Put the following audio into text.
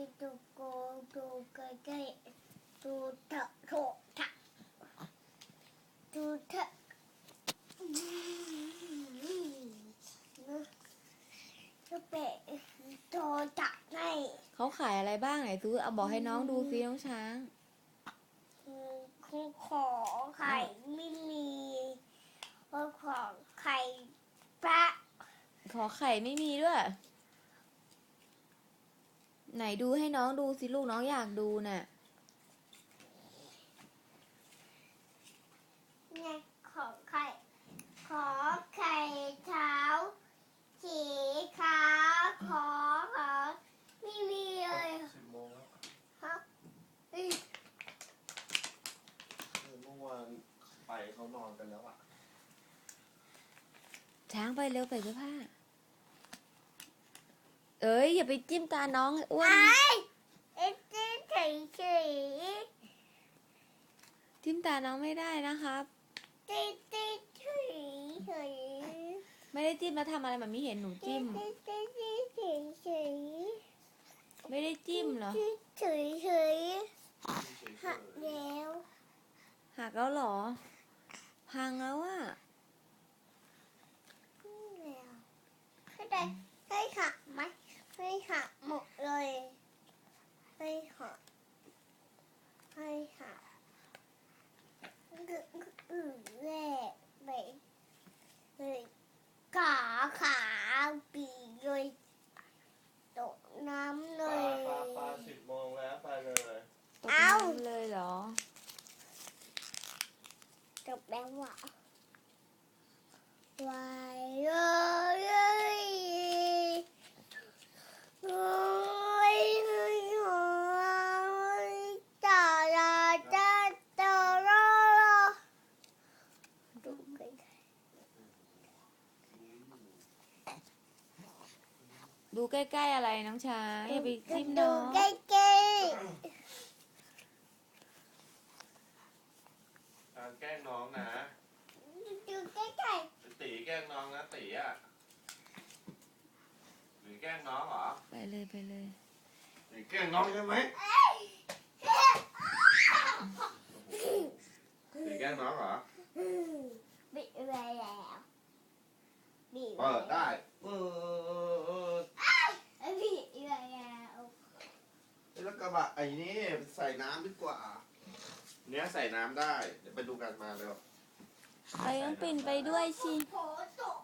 ตูโกตูใกล้ๆตูเถอะโถทะตูเถอะก็เป็ดโตจักให้เขาขายอะไรบ้างไหนซูเอาบอกให้น้องดูซิน้องช้างขอไข่ไม่มีขอไข่พระขอไข่ไม่มีด้วย ไหนดูให้น้องดูสิลูกน้องอยากดูน่ะเนี่ยขอไข่เท้าสีขาวขอไม่มีเลย 10 โมงแล้วฮะเมื่อวานไปเขานอนกันแล้วอ่ะช้างไปเร็วใส่เสื้อผ้า เอ้ยอย่าไปจิ้มตาน้องอ้วนเอ๊ะเฉยจิ้มตาน้องไม่ได้นะครับเฉยไม่ได้จิ้มแล้วทำอะไรมันไม่เห็นหนูจิ้มเฉยไม่ได้จิ้มเหรอเฉยหักแล้วหักแล้วเหรอ พังแล้วอะให้หักไหมให้หักหมดเลยให้หักแรกไปเลยขาปีเลยตกน้ำเลปลาย 10 โมงแล้วไปเลยตกน้ำเลยเหรอจบแล้วว่ะวายเลยโอ้ยตาลาตาตาลาดูกันดูใกล้ๆอะไรน้องช้างอย่าไปจิ้มดูน้องใกล้การแกล้งน้องนะๆดูใกล้ตีแกล้งน้องนะตีอ่ะหรือแกล้งน้องเหรอไปเลยไปเลยตีแกล้งน้องใช่ไหมตีแกล้งน้องเหรอๆบิดไปแล้วบิดเปิดได้เปิดบิดไปแล้วแล้วกระบะไอ้นี่ใส่น้ำดีกว่า เนี้ยใส่น้ำได้ เดี๋ยวไปดูกันมาเร็วไปต้องปิ่นไปด้วยสิโผล่ตก